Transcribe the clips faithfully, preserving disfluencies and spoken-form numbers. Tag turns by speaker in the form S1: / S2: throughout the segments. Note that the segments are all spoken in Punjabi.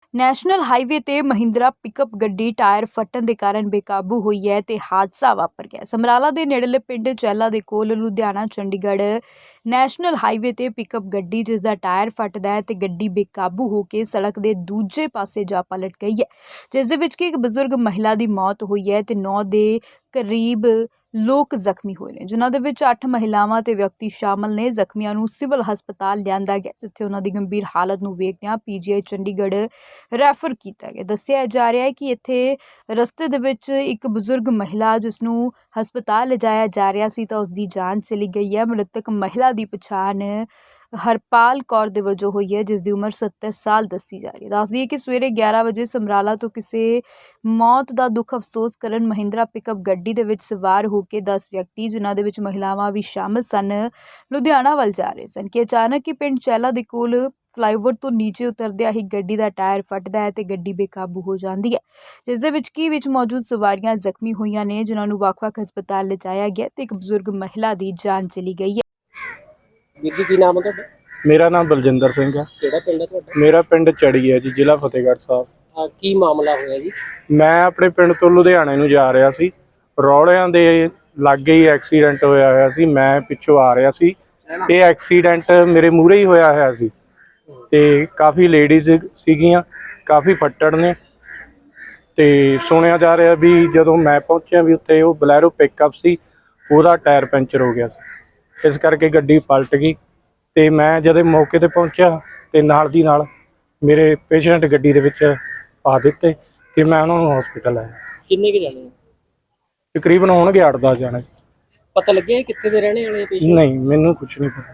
S1: ਨੈਸ਼ਨਲ ਹਾਈਵੇ ਤੇ ਮਹਿੰਦਰਾ ਪਿਕਅਪ ਗੱਡੀ ਟਾਇਰ ਫਟਣ ਦੇ ਕਾਰਨ ਬੇਕਾਬੂ ਹੋਈ ਹੈ ਤੇ ਹਾਦਸਾ ਵਾਪਰ ਗਿਆ। ਸਮਰਾਲਾ ਦੇ ਨੇੜਲੇ ਪਿੰਡ ਚਹਿਲਾ ਦੇ ਕੋਲ ਲੁਧਿਆਣਾ ਚੰਡੀਗੜ੍ਹ ਨੈਸ਼ਨਲ ਹਾਈਵੇ ਤੇ ਪਿਕਅਪ ਗੱਡੀ ਜਿਸ ਦਾ ਟਾਇਰ ਫਟਦਾ ਹੈ ਤੇ ਗੱਡੀ ਬੇਕਾਬੂ ਹੋ ਕੇ ਸੜਕ ਦੇ ਦੂਜੇ ਪਾਸੇ ਜਾ ਪਲਟ ਗਈ ਹੈ, ਜਿਸ ਦੇ ਵਿੱਚ ਕਿ ਇੱਕ ਬਜ਼ੁਰਗ ਮਹਿਲਾ ਦੀ ਮੌਤ ਹੋਈ ਹੈ ਤੇ ਨੌ ਦੇ ਕਰੀਬ ਲੋਕ ਜ਼ਖਮੀ ਹੋਏ ਨੇ, ਜਿਨ੍ਹਾਂ ਦੇ ਵਿੱਚ ਅੱਠ ਮਹਿਲਾਵਾਂ ਤੇ ਵਿਅਕਤੀ ਸ਼ਾਮਲ ਨੇ। ਜ਼ਖਮੀਆਂ ਨੂੰ ਸਿਵਲ ਹਸਪਤਾਲ ਲਿਆਂਦਾ ਗਿਆ, ਜਿੱਥੇ ਉਹਨਾਂ ਦੀ ਗੰਭੀਰ ਹਾਲਤ ਨੂੰ ਵੇਖਦਿਆਂ ਪੀਜੀਆਈ ਚੰਡੀਗੜ੍ਹ ਰੈਫਰ ਕੀਤਾ ਗਿਆ। ਦੱਸਿਆ ਜਾ ਰਿਹਾ ਹੈ ਕਿ ਇੱਥੇ ਰਸਤੇ ਦੇ ਵਿੱਚ ਇੱਕ ਬਜ਼ੁਰਗ ਮਹਿਲਾ ਜਿਸ ਨੂੰ ਹਸਪਤਾਲ ਲਿਜਾਇਆ ਜਾ ਰਿਹਾ ਸੀ ਤਾਂ ਉਸ ਦੀ ਜਾਨ ਚਲੀ ਗਈ ਹੈ। ਮ੍ਰਿਤਕ ਮਹਿਲਾ ਦੀ ਪਛਾਣ ਹਰਪਾਲ ਕੌਰ ਦੇ ਵਜੋਂ ਹੋਈ ਹੈ, ਜਿਸ ਦੀ ਉਮਰ ਸੱਤਰ ਸਾਲ ਦੱਸੀ ਜਾ ਰਹੀ ਹੈ। ਦੱਸਦੀ ਹੈ ਕਿ ਸਵੇਰੇ ਗਿਆਰਾਂ ਵਜੇ ਸਮਰਾਲਾ ਤੋਂ ਕਿਸੇ ਮੌਤ ਦਾ ਦੁੱਖ ਅਫਸੋਸ ਕਰਨ ਮਹਿੰਦਰਾ ਪਿਕਅਪ ਗੱਡੀ ਦੇ ਵਿੱਚ ਸਵਾਰ ਹੋ ਕੇ ਦਸ ਵਿਅਕਤੀ, ਜਿਨ੍ਹਾਂ ਦੇ ਵਿੱਚ ਮਹਿਲਾਵਾਂ ਵੀ ਸ਼ਾਮਲ ਸਨ, ਲੁਧਿਆਣਾ ਵੱਲ ਜਾ ਰਹੇ ਸਨ ਕਿ ਅਚਾਨਕ ਹੀ ਪਿੰਡ ਚਹਿਲਾ ਦੇ ਕੋਲ ਫਲਾਈਓਵਰ ਤੋਂ ਨੀਚੇ ਉਤਰਦਿਆਂ ਹੀ ਗੱਡੀ ਦਾ ਟਾਇਰ ਫਟਦਾ ਹੈ ਤੇ ਗੱਡੀ ਬੇਕਾਬੂ ਹੋ ਜਾਂਦੀ ਹੈ, ਜਿਸ ਦੇ ਵਿੱਚ ਕੀ ਵਿੱਚ ਮੌਜੂਦ ਸਵਾਰੀਆਂ ਜ਼ਖਮੀ ਹੋਈਆਂ ਨੇ, ਜਿਨ੍ਹਾਂ ਨੂੰ ਵੱਖ-ਵੱਖ ਹਸਪਤਾਲ ਲਿਜਾਇਆ ਗਿਆ ਤੇ ਇੱਕ ਬਜ਼ੁਰਗ ਮਹਿਲਾ ਦੀ ਜਾਨ ਚਲੀ ਗਈ ਹੈ।
S2: ਵੀਰ ਜੀ ਕੀ ਨਾਮ ਹੈ ਤੁਹਾਡਾ?
S3: ਮੇਰਾ ਨਾਮ ਬਲਜਿੰਦਰ ਸਿੰਘ ਹੈ।
S2: ਕਿਹੜਾ ਪਿੰਡ ਹੈ ਤੁਹਾਡਾ?
S3: ਮੇਰਾ ਪਿੰਡ ਚੜੀ ਹੈ ਜੀ, ਜ਼ਿਲ੍ਹਾ ਫਤਿਹਗੜ੍ਹ ਸਾਹਿਬ।
S2: ਆ ਕੀ ਮਾਮਲਾ ਹੋਇਆ ਜੀ?
S3: ਮੈਂ ਆਪਣੇ ਪਿੰਡ ਤੋਂ ਲੁਧਿਆਣੇ ਨੂੰ ਜਾ ਰਿਹਾ ਸੀ। ਰੌਲਿਆਂ ਦੇ ਲਾਗੇ ਹੀ ਐਕਸੀਡੈਂਟ ਹੋਇਆ ਹੋਇਆ ਸੀ। ਮੈਂ ਪਿੱਛੋਂ ਆ ਰਿਹਾ ਸੀ ਤੇ ਐਕਸੀਡੈਂਟ ਮੇਰੇ ਮੂਹਰੇ ਹੀ ਹੋਇਆ ਹੋਇਆ ਸੀ ਤੇ ਕਾਫੀ ਲੇਡੀਜ਼ ਸੀਗੀਆਂ, ਕਾਫੀ ਫੱਟੜ ਨੇ। ਤੇ ਸੁਣਿਆ ਜਾ ਰਿਹਾ ਵੀ ਜਦੋਂ ਮੈਂ ਪਹੁੰਚਿਆ ਵੀ ਉੱਥੇ ਉਹ ਬਲੈਰੋ ਪਿਕਅਪ ਸੀ, ਉਹਦਾ ਟਾਇਰ ਪੈਂਚਰ ਹੋ ਗਿਆ ਸੀ, ਇਸ ਕਰਕੇ ਗੱਡੀ ਪਲਟ ਗਈ। ਤੇ ਮੈਂ ਜਦੋਂ ਮੌਕੇ ਤੇ ਪਹੁੰਚਿਆ ਤੇ ਨਾਲ ਦੀ ਨਾਲ ਮੇਰੇ ਪੇਸ਼ੈਂਟ ਗੱਡੀ ਦੇ ਵਿੱਚ ਪਾ ਦਿੱਤੇ ਤੇ ਮੈਂ ਉਹਨਾਂ ਨੂੰ ਹਸਪੀਟਲ ਆਇਆ।
S2: ਕਿੰਨੇ ਕੁ ਜਾਣੇ?
S3: ਤਕਰੀਬਨ ਹੋਣਗੇ ਅੱਠ ਦਸ ਜਾਣੇ।
S2: ਪਤਾ ਲੱਗਿਆ ਕਿੱਥੇ ਦੇ ਰਹਿਣੇ ਵਾਲੇ ਪੇਸ਼ੈਂਟ?
S3: ਨਹੀਂ, ਮੈਨੂੰ ਕੁਝ ਨਹੀਂ ਪਤਾ।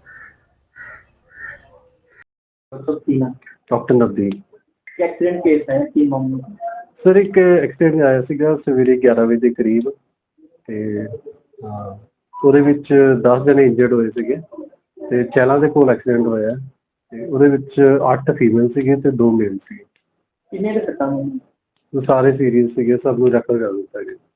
S4: ਡਾਕਟਰ ਨਵਦੀਪ।
S5: एक्सीडेंट केस है कि मामला?
S4: ਸਰ ਇੱਕ ਐਕਸੀਡੈਂਟ ਆਇਆ ਸੀਗਾ ਸਵੇਰੇ ਗਿਆਰਾਂ ਵਜੇ ਦੇ ਕਰੀਬ ਤੇ ਹਾਂ, ਉਹਦੇ ਵਿੱਚ ਦਸ ਜਣੇ ਇੰਜਰਡ ਹੋਏ ਸੀਗੇ ਤੇ ਚਹਿਲਾਂ ਦੇ ਕੋਲ ਐਕਸੀਡੈਂਟ ਹੋਇਆ ਤੇ ਉਹਦੇ ਵਿੱਚ ਅੱਠ ਫੀਮੇਲ ਸੀਗੇ ਤੇ ਦੋ ਮੇਲ ਸੀਗੇ।
S5: किन्ने के सट्टा?
S4: ਉਹ ਸਾਰੇ ਸੀਰੀਅਸ ਸੀਗੇ, ਸਭ ਨੂੰ ਰੈਫਰ ਕਰ ਦਿੱਤਾ ਗਿਆ।